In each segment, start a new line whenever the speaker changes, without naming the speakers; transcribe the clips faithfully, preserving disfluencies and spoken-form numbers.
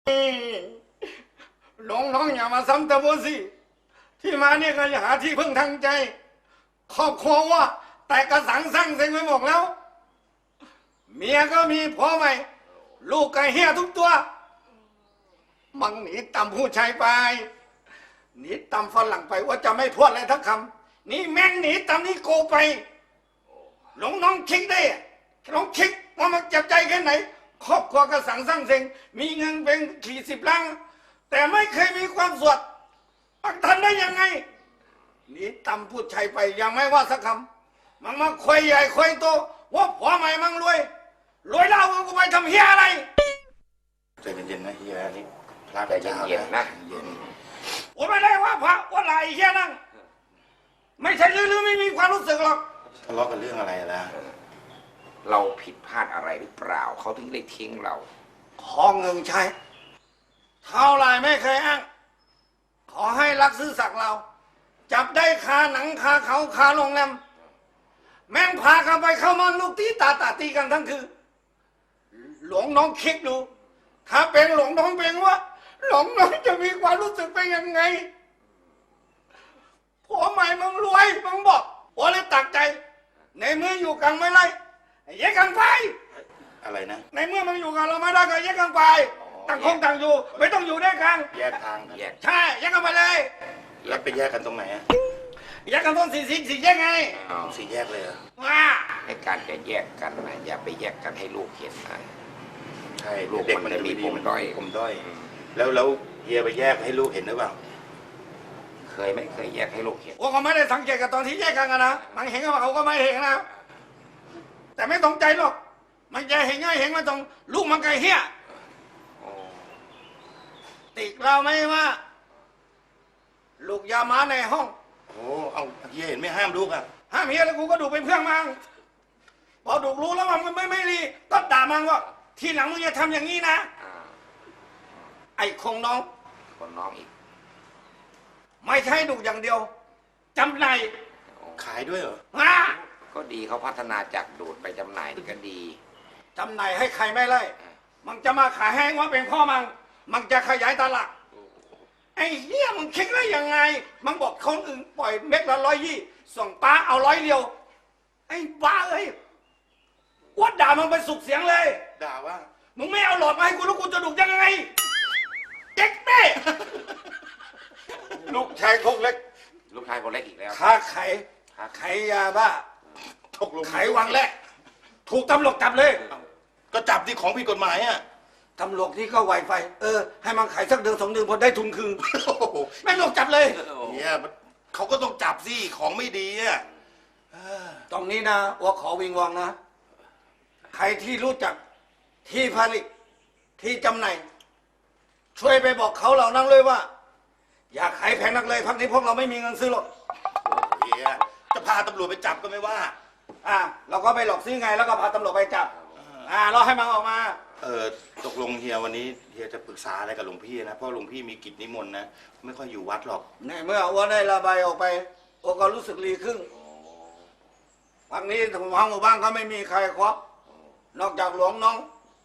น้องน้องอย่ามาซ้ำเติมสิที่มาเนี่ยก็จะหาที่พึ่งทางใจครอบครัวว่าแต่กระสังสั่งเซ็งไปหมดแล้ว เมียก็มีพ่อใหม่ลูกก็เฮี้ยทุกตัวมังหนีตำผู้ชายไปหนีตำฝรั่งไปว่าจะไม่พูดอะไรทักคำนี่แม่งหนีตำนี่โกไปหลงน้องคิดได้น้องคิดว่ามันเจ็บใจแค่ไหนครอบครัวก็สั่งสร้างเซ็งมีเงินเป็นขี่สิบล้านแต่ไม่เคยมีความสุขมันทันได้ยังไงหนีตำผู้ชายไปยังไม่ว่าสักคำมันมาคุยใหญ่คุยโตว่าผัวใหม่มันรวยรวยแล้วกูไปทำเฮียอะไร
ใจเย็นๆนะเฮียนี่พระ
ใจเย็นๆนะ
เย็น
ผมไม่ได้ว่าพระว่าอะไรเฮียนั่งไม่ใช่ลือๆไม่มีความรู้สึกหรอก
ทะเลาะกันเรื่องอะไรล่ะ
เราผิดพลาดอะไรหรือเปล่าเขาถึงได้ทิ้งเรา
ขอเงินใช้เท่าไรไม่เคยอ้างขอให้รักซื่อสักเราจับได้คาหนังคาเขาคาโรงแรมแม่งพากันไปเข้ามาลูกตีตาตาตีกันทั้งคืนหลวงน้องคิดดูถ้าเป็นหลวงน้องเป็นว่าหลวงน้องจะมีความรู้สึกเป็นยังไงผัวใหม่มึงรวยมึงบอกผัวเลยตักใจในเมื่ออยู่กันไม่ไรแยกกันไป
อะไรนะ
ในเมื่อมึงอยู่กันเราไม่ได้ก็แยกกันไปต่างคงต่างอยู่ไม่ต้องอยู่ด้วยกัน
แยกทาง
แยก
ใช่แยกกันไปเลย
แล้วไปแยกกันตรงไหนอะ
แยกกันต้นสี่สี่สี่แยกไง
สี่แยกเลยเหรอ
ว่า
ให้การจะแยกกันนะอย่าไปแยกกันให้ลูกเห็นนะ
ใช่
ลูกมันจะมีปมด้อย
ปมด้อยแล้วแล้วเฮียไปแยกให้ลูกเห็นหรือเปล่า
เคยไม่เคยแยกให้ลูกเห็น
ว่าเขาไม่ได้สังเกตกับตอนที่แยกกันนะมันเห็นว่าเขาก็ไม่เห็นนะแต่ไม่ตรงใจหรอกมันจะเห็นง่ายเห็นมาตรงลูกมันไกลเฮี้ยติดเราไม่ว่าลูกยามาในห้อง
โอ้เอาเฮียเห็นไม่ห้ามลูกอ่ะ
ห้ามเฮียแล้วกูก็ดูเป็นเพื่อนมังพอดูรู้แล้วมันไม่ไม่รีก็ด่ามันว่าทีหลังมึงอย่าทำอย่างนี้นะไอ้คงน้อง
คนน้องอีก
ไม่ใช่ดูอย่างเดียวจำหน่าย
ขายด้วยเหรอ
ฮะ
ก็ดีเขาพัฒนาจากดูดไปจำหน่ายก็ดี
จำหน่ายให้ใครไม่ไล่มันจะมาขายแห้งว่าเป็นพ่อมังมันจะขยายตลาดไอ้เหี้ยมึงคิดได้ยังไงมันบอกคนอื่นปล่อยเม็ดละร้อยยี่ส่งป้าเอาร้อยเดียวไอ้บ้าเอ้ยวัดด่ามันไปสุกเสียงเลย
ด่าว่า
มึงไม่เอาหลอดมาให้กูแล้วกูจะดุยังไงเจ๊กแม่ลูกชายคงเล็ก
ลูกชายคนเล็กอีกแล้ว
ค้าไข่ไข่ยาบ้า
ตกลง
ไขวังแรกถูกตำรวจจับเลย
ก็จับที่ของผิดกฎหมายอ่ะ
ตำรวจที่ก็ไวไฟเออให้มันขายสักเดือนสองเดือนพอได้ทุนคืนแม่งลงจับเลย
เนี่ยเขาก็ต้องจับสิของไม่ดีอ่ะ
ตรงนี้นะว่าขอวิงวอนนะใครที่รู้จักที่ผลิตที่จำหน่ายช่วยไปบอกเขาเหล่านั้นเลยว่าอย่าขายแพงนักเลยพักนี้พวกเราไม่มีเงินซื้อหรอก
เฮียจะพาตำรวจไปจับก็ไม่ว่า
อ่าเราก็ไปหลอกซื้อไงแล้วก็พาตำรวจไปจับอ่าเราให้มันออกมา
เออตกลงเฮียวันนี้เฮียจะปรึกษาอะไรกับหลวงพี่นะเพราะหลวงพี่มีกิจนิมนต์นะไม่ค่อยอยู่วัดหรอก
ในเมื่อว่าได้ระบายออกไปโอก็รู้สึกดีขึ้นพักนี้ทางหมู่บ้านก็ไม่มีใครครบนอกจากหลวงน้อง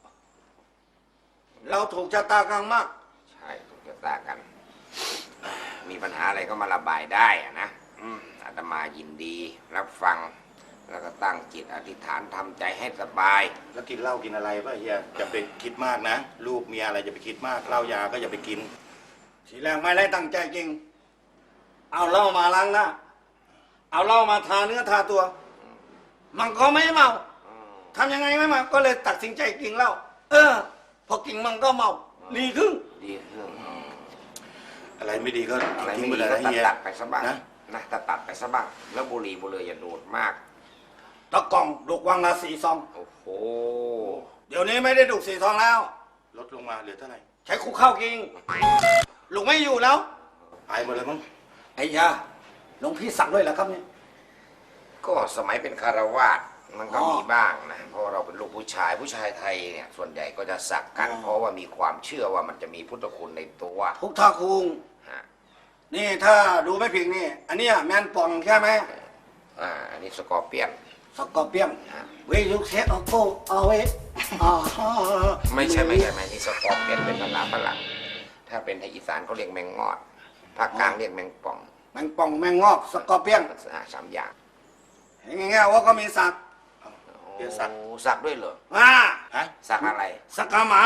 เราถูกชะตากรรมมาก
ใช่ถูกชะตากันมีปัญหาอะไรก็มาระบายได้อะนะอาตมายินดีรับฟังแล้วก็ตั้งจิตอธิษฐานทำใจให้สบาย
แล้วกินเหล้ากินอะไรป่ะเฮียอย่าไปคิดมากนะลูกเมียอะไรอย่าไปคิดมากเหล้ายาก็อย่าไปกิน
ทีแรกไม่ได้ตั้งใจจริงเอาเหล้ามาล้างหน้าเอาเหล้ามาทาเนื้อทาตัวมันก็ไม่เมาทำยังไงไม่เมาก็เลยตัดสินใจกินเหล้าเออพอกินมันก็เมาดีขึ้น
ดีขึ้น
อะไรไม่ดีก็
อะไรไม่ดีก็ตัดไปซะบ้างนะนะตัดตัดไปซะบ้างแล้วบุหรี่บุหรี่อย่าดูดมาก
ตะกล่องลูกวังละสี่ซอง
โอ้โห
เดี๋ยวนี้ไม่ได้ดูดสี่ซองแล้ว
ลดลงมาเหลือเท่าไหร่
ใช้คุกข้าวกินลูกไม่อยู่แล้ว
ไปหมดเลยมั้ง
ไอ้ยาหลวงพี่สั่งด้วยเหรอครับเนี่ย
ก็สมัยเป็นคารวาสมันก็มีบ้างนะเพราะเราเป็นลูกผู้ชายผู้ชายไทยเนี่ยส่วนใหญ่ก็จะสักกันเพราะว่ามีความเชื่อว่ามันจะมีพุทธคุณในตัว
พุทธคุณนี่ถ้าดูไม่ผิดนี่อันนี้แมนป่องใช่ไหม
อ่าอันนี้สกอร์เปียน
สกอร์เปียนเวยุเซโอโกเอาเวอ๋อ
ไม่ใช่ไม่ใช่ไม่นี่สกอร์เปียนเป็นภาษาฝรั่งถ้าเป็นไทยอีสานเขาเรียกแมงงอดภาคกลางเรียกแมงป่อง
แมงป่องแมงงอกสกอร์เปียน
อ่าสามอย่าง
อย่างเงี้ยว่าก็มีสัก
เฮียสัก
โอ้สักด้วยเหรอ
อ่า
ฮะ
สักอะไร
สักกาหมา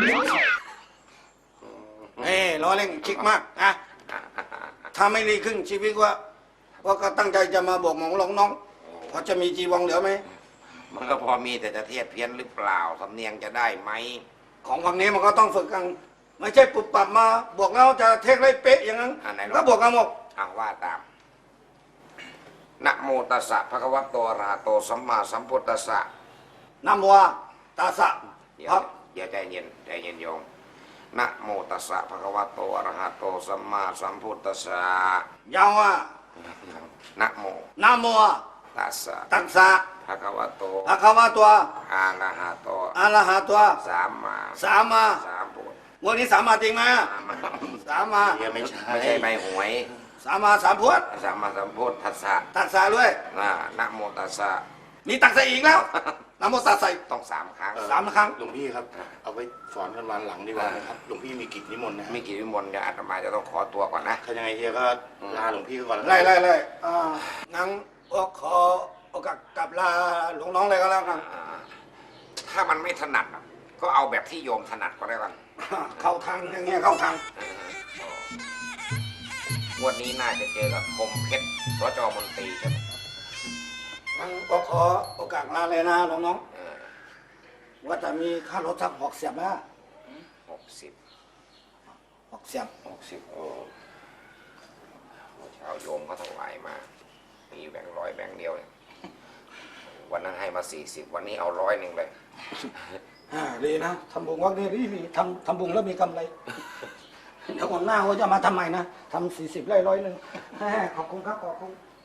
เอ้ล้อเล่นคิกมากนะถ้าไม่ดีขึ้นชีวิตว่าว่าก็ตั้งใจจะมาบอกหมองหลงน้องพอจะมีจีวองเหลือไหม
มันก็พอมีแต่จะเทียบเพี้ยนหรือเปล่าสำเนียงจะได้ไหม
ของฝั่งนี้มันก็ต้องฝึกกัน ไม่ใช่ปุบปับมาบวกแล้วจะเทคได้เป๊ะอย่างนั้น
อ่าไหนลอง
ก็บวกกันหมด
อ่าว่าตามนะโมตัสสะภะคะวะโตอะระหะโตสัมมาสัมพุทธัสสะ
น้ำวัวตาสะ
เดี๋ย
คว รับ
เดี๋ยวใจเย็นใจเย็นโยมนะโมตัสสะภะคะวะโตอะระหะโตสัมมาสัมพุทธัสสะ
ยาวว่า
นะโม
น้ำวัว
ตัสสะ
ตักษะ
ภะคะวะโต
ภะคะวะตัว
อะระหะโต
อะระหะตัว
สัมมา
สามมา
สัมพุทธ
วันนี้สามมาจริงไหม
สัมมา
สามมา
เฮียไม่ใช่
ไม่ใช่ใบหวย
สามมาสามพวด
สัมมาสัมพุทธัสสะ
ตักษะด้วย
นะนะโมตัสสะ
มีตักษะอีกแล้วน้ำโมตัสสะ
ต้องสามครั้ง
เออ
สามครั้ง
หลวงพี่ครับ เอาไว้สอนกันวันหลังดีกว่านะครับหลวงพี่มีกิจนิมนต์นะ
มีกี่วิมลเดี๋ยวอาตมาจะต้องขอตัวก่อนนะ
ถ้ายังไงเฮียก็ลาหลวงพี่ก่อน
ไล่ไล่ไล่อ่างั้นก็ขอโอกาสกลับลาหลวงน้องเลยก็แล้วกัน
อ่าถ้ามันไม่ถนัดอ่ะก็เอาแบบที่โยมถนัดก็ได้กัน
เข้าทางอย่างเงี้ยเข้าทาง
งวันนี้น่าจะเจอกับคมเพชรสจมนตรีใช่ไหม
งั้นก็ขอโอกาสลาเลยนะหลวงน้อง
เออ
ว่าจะมีค่ารถสักหกเสียบนะ
หกสิบ
หกเสียบ
หกสิบโอ้ชาวโยมเขาถวายมา มีแบงค์ร้อยแบงค์เดียวเนี่ยวันนั้นให้มาสี่สิบวันนี้เอาร้อยหนึ่งเลย
อ่าดีนะทำบุญวัดนี้ดีดีทำทำบุญแล้วมีกำไรเดี๋ยววันหน้าว่าจะมาทำใหม่นะทำสี่สิบไร่ร้อยหนึ่งแหมขอบคุณครับขอบคุณ